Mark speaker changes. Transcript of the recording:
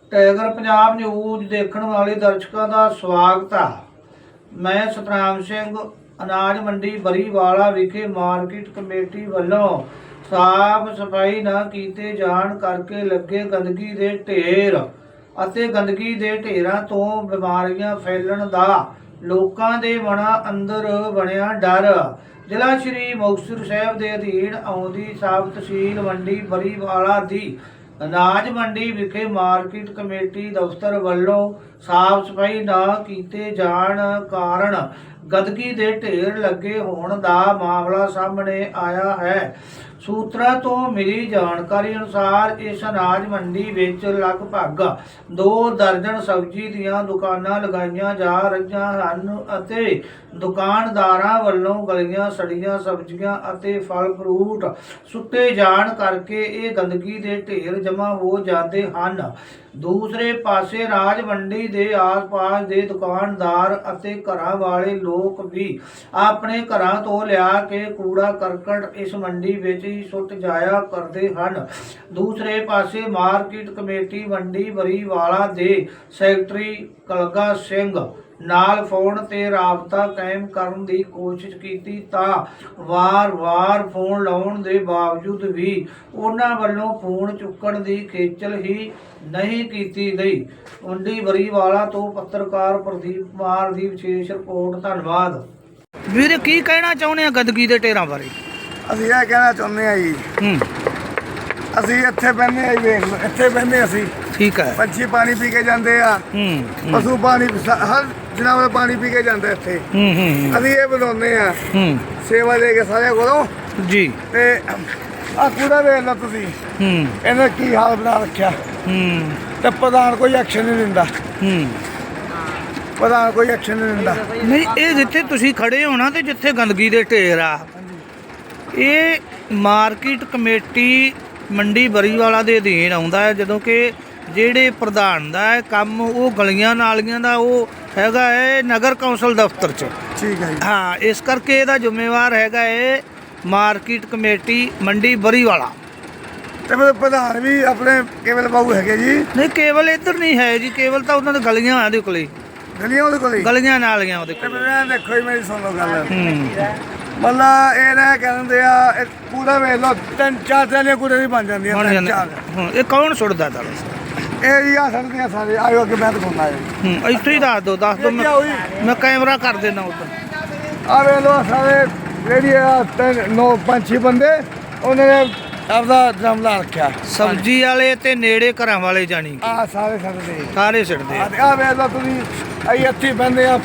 Speaker 1: Tiger Punjab news ਦੇਖਣ ਵਾਲੇ ਦਰਸ਼ਕਾਂ ਦਾ ਸਵਾਗਤ ਹੈ। ਮੈਂ ਸਤਨਾਮ ਸਿੰਘ ਅਨਾਜ ਮੰਡੀ ਬਰੀਵਾਲਾ ਵਿਖੇ ਮਾਰਕੀਟ ਕਮੇਟੀ ਵੱਲੋਂ ਸਾਫ ਸਫਾਈ ਨਾ ਕੀਤੇ ਜਾਣ ਕਰਕੇ ਲੱਗੇ ਗੰਦਗੀ ਦੇ ਢੇਰ ਅਤੇ ਗੰਦਗੀ ਦੇ ਢੇਰਾਂ ਤੋਂ ਬਿਮਾਰੀਆਂ ਫੈਲਣ ਦਾ ਲੋਕਾਂ ਦੇ ਮਨਾਂ ਅੰਦਰ ਬਣਿਆ ਡਰ। ਜ਼ਿਲ੍ਹਾ ਸ਼੍ਰੀ ਮੁਕਤਸਰ ਸਾਹਿਬ ਦੇ ਅਧੀਨ ਆਉਂਦੀ ਸਾਬ ਤਹਿਸੀਲ ਮੰਡੀ ਬਰੀਵਾਲਾ ਦੀ ਅਨਾਜ ਮੰਡੀ ਵਿਖੇ ਮਾਰਕੀਟ ਕਮੇਟੀ ਦਫ਼ਤਰ ਵੱਲੋਂ ਸਾਫ ਸਫਾਈ ਨਾ ਕੀਤੇ ਜਾਣ ਕਾਰਨ ਗੰਦਗੀ ਦੇ ਢੇਰ ਲੱਗੇ ਹੋਣ ਦਾ ਮਾਮਲਾ ਸਾਹਮਣੇ ਆਇਆ ਹੈ। ਸੂਤਰਾਂ ਤੋਂ ਮਿਲੀ ਜਾਣਕਾਰੀ ਅਨੁਸਾਰ ਇਸ ਅਨਾਜ ਮੰਡੀ ਵਿੱਚ ਲਗਭਗ 2 ਦਰਜਨ ਸਬਜ਼ੀ ਦੀਆਂ ਦੁਕਾਨਾਂ ਲਗਾਈਆਂ ਜਾ ਰਹੀਆਂ ਹਨ ਅਤੇ ਦੁਕਾਨਦਾਰਾਂ ਵੱਲੋਂ ਗਲੀਆਂ ਸੜੀਆਂ ਸਬਜ਼ੀਆਂ ਅਤੇ ਫਲ ਫਰੂਟ ਸੁੱਟੇ ਜਾਣ ਕਰਕੇ ਇਹ ਗੰਦਗੀ ਦੇ ਢੇਰ ਜਮ੍ਹਾਂ ਹੋ ਜਾਂਦੇ ਹਨ। ਦੂਸਰੇ ਪਾਸੇ ਰਾਜ ਮੰਡੀ ਦੇ ਆਸ-ਪਾਸ ਦੇ ਦੁਕਾਨਦਾਰ ਅਤੇ ਘਰਾਂ ਵਾਲੇ ਲੋਕ ਵੀ ਆਪਣੇ ਘਰਾਂ ਤੋਂ ਲਿਆ ਕੇ ਕੂੜਾ ਕਰਕਟ ਇਸ ਮੰਡੀ ਵਿੱਚ ਹੀ ਸੁੱਟ ਜਾਇਆ ਕਰਦੇ ਹਨ। ਦੂਸਰੇ ਪਾਸੇ ਮਾਰਕੀਟ ਕਮੇਟੀ ਮੰਡੀ ਬਰੀਵਾਲਾ ਦੇ ਸੈਕਟਰੀ ਕਲਗਾ ਸਿੰਘ ਨਾਲ ਫੋਨ ਤੇ ਰਾਬਤਾ ਕਾਇਮ ਕਰਨ ਦੀ ਕੋਸ਼ਿਸ਼ ਕੀਤੀ ਤਾਂ ਵਾਰ-ਵਾਰ ਫੋਨ ਲਾਉਣ ਦੇ ਬਾਵਜੂਦ ਵੀ ਉਹਨਾਂ ਵੱਲੋਂ ਫੋਨ ਚੁੱਕਣ ਦੀ ਖੇਚਲ ਹੀ ਨਹੀਂ ਕੀਤੀ ਗਈ। ਮੰਡੀ ਬਰੀਵਾਲਾ ਤੋਂ ਪੱਤਰਕਾਰ ਪ੍ਰਦੀਪ ਕੁਮਾਰ ਦੀ ਵਿਸ਼ੇਸ਼ ਰਿਪੋਰਟ। ਧੰਨਵਾਦ। ਵੀਰੇ, ਕੀ ਕਹਿਣਾ ਚਾਹੁੰਦੇ ਆ ਗੰਦਗੀ ਦੇ ਢੇਰਾਂ ਬਾਰੇ?
Speaker 2: ਅਸੀਂ ਇਹ ਕਹਿਣਾ ਚਾਹੁੰਦੇ ਆ ਜੀ, ਅਸੀਂ ਇੱਥੇ ਬਹਿੰਦੇ ਆ ਜੀ, ਵੇਖ ਲਓ ਇੱਥੇ ਬਹਿੰਦੇ ਅਸੀਂ।
Speaker 1: ਠੀਕ ਹੈ।
Speaker 2: ਪੰਛੀ ਪਾਣੀ ਪੀ ਕੇ ਜਾਂਦੇ ਆ, ਪਸ਼ੂ ਪਾਣੀ ਹਰ ਜਨਾਵਰ ਪਾਣੀ ਪੀ ਕੇ ਜਾਂਦੇ ਇੱਥੇ। ਅਸੀਂ ਇਹ ਬਣਾਉਂਦੇ ਆ ਸੇਵਾ ਦੇ ਕੇ ਸਾਰਿਆਂ ਕੋਲੋਂ
Speaker 1: ਜੀ।
Speaker 2: ਤੇ ਆ ਕੂੜਾ ਵੇਖ ਲਓ ਤੁਸੀਂ, ਇਹਨੇ ਕੀ ਹਾਲ ਬਣਾ ਰੱਖਿਆ। ਤੇ ਪ੍ਰਧਾਨ ਕੋਈ ਐਕਸ਼ਨ ਨਹੀਂ ਦਿੰਦਾ, ਪ੍ਰਧਾਨ ਕੋਈ ਐਕਸ਼ਨ ਨਹੀਂ ਦਿੰਦਾ।
Speaker 1: ਨਹੀਂ, ਇਹ ਜਿੱਥੇ ਤੁਸੀਂ ਖੜੇ ਹੋ ਨਾ ਤੇ ਜਿੱਥੇ ਗੰਦਗੀ ਦੇ ਢੇਰ ਆ, ਇਹ ਮਾਰਕੀਟ ਕਮੇਟੀ ਮੰਡੀ ਬਰੀਵਾਲਾ ਦੇ ਅਧੀਨ ਆਉਂਦਾ ਹੈ। ਜਦੋਂ ਕਿ ਜਿਹੜੇ ਪ੍ਰਧਾਨ ਦਾ ਹੈ ਕੰਮ ਉਹ ਗਲੀਆਂ ਨਾਲੀਆਂ ਦਾ ਉਹ ਹੈਗਾ ਹੈ ਨਗਰ ਕੌਂਸਲ ਦਫ਼ਤਰ 'ਚ।
Speaker 2: ਠੀਕ ਹੈ ਜੀ।
Speaker 1: ਹਾਂ, ਇਸ ਕਰਕੇ ਇਹਦਾ ਜ਼ਿੰਮੇਵਾਰ ਹੈਗਾ ਹੈ ਮਾਰਕੀਟ ਕਮੇਟੀ ਮੰਡੀ ਬਰੀਵਾਲਾ।
Speaker 2: ਤੇ ਮੇਰੇ ਪ੍ਰਧਾਨ ਵੀ ਆਪਣੇ ਕੇਵਲ ਬਾਬੂ ਹੈਗੇ ਜੀ।
Speaker 1: ਨਹੀਂ, ਕੇਵਲ ਇੱਧਰ ਨਹੀਂ ਹੈ ਜੀ, ਕੇਵਲ ਤਾਂ ਉਹਨਾਂ ਦੇ ਗਲੀਆਂ ਉਹਦੇ ਕੋਲੇ,
Speaker 2: ਗਲੀਆਂ ਉਹਦੇ ਕੋਲ,
Speaker 1: ਗਲੀਆਂ ਨਾਲੀਆਂ ਉਹਦੇ ਕੋਲ।
Speaker 2: ਦੇਖੋ ਜੀ, ਮੇਰੀ ਸੁਣ ਲਓ ਗੱਲ। ਮਤਲਬ ਇਹ ਨਾ ਕਹਿੰਦੇ ਆ ਕੂੜਾ ਵੇਖ ਲਓ, 3-4 ਥੈਲੀਆਂ ਕੂੜੇ ਦੀ ਬਣ ਜਾਂਦੀਆਂ।
Speaker 1: ਇਹ ਕੌਣ ਸੁੱਟਦਾ ਤਾਂ?
Speaker 2: ਇਹ ਜੀ ਆ ਸੜਦੀਆਂ ਸਾਰੇ। ਆਇਓ ਅੱਗੇ ਮੈਂ ਦਿਖਾਉਣਾ ਹੈ।
Speaker 1: ਇੱਥੇ ਹੀ ਦੱਸ ਦਿਓ ਮੈਂ ਕੈਮਰਾ ਕਰ ਦੇਣਾ ਉੱਧਰ।
Speaker 2: ਆ ਵੇਖ ਲਓ ਸਾਰੇ ਜਿਹੜੀ ਆ 9-5 ਬੰਦੇ ਉਹਨਾਂ ਨੇ ਆਪਦਾ ਡਰਮ ਲਾ ਰੱਖਿਆ।
Speaker 1: ਸਬਜ਼ੀ ਵਾਲੇ ਤੇ ਨੇੜੇ ਘਰਾਂ ਵਾਲੇ ਜਾਣੀ
Speaker 2: ਆ ਸਾਰੇ ਛੱਡਦੇ,
Speaker 1: ਸਾਰੇ ਛੱਡਦੇ।
Speaker 2: ਆ ਵੇਖ ਲਓ ਤੁਸੀਂ, ਅਸੀਂ ਇੱਥੇ ਬਹਿੰਦੇ ਆ